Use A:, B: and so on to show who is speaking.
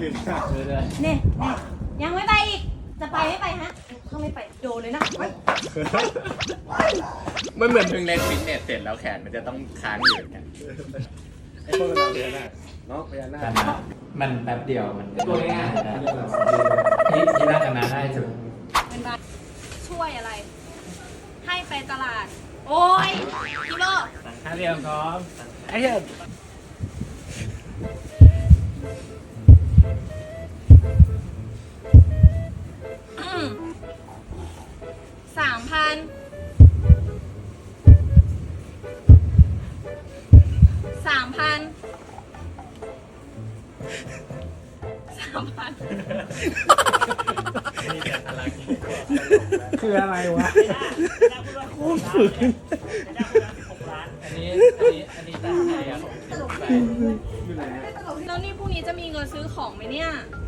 A: เนี่ยยังไม่ไปอีกจะไปไม่ไปฮะถ้าไม่ไปโดนเลยนะ
B: มันเหมือนเพิ่งเล่นฟิตเนสเสร็จแล้วแขนมันจะต้องค้างอยู่เนี่ย
C: ไอ้พวกเราพญานาคเนาะพญานาค
B: มันแป๊บเดียวมัน
C: ตัวง่าย
B: ที่น่าจะมาได้สุด
A: เป็นบ้าช่วยอะไรให้ไปตลาดโอ้ยกิโล
B: สั่งข้าวเรียมพร้อมไอ้เหี้ย
A: 3,000
B: คืออะไรวะโคตรฝืนอันนี้แต่ใครอะ
A: แล้วนี่พรุ่งนี้จะมีเงินซื้อของไหมเนี่ย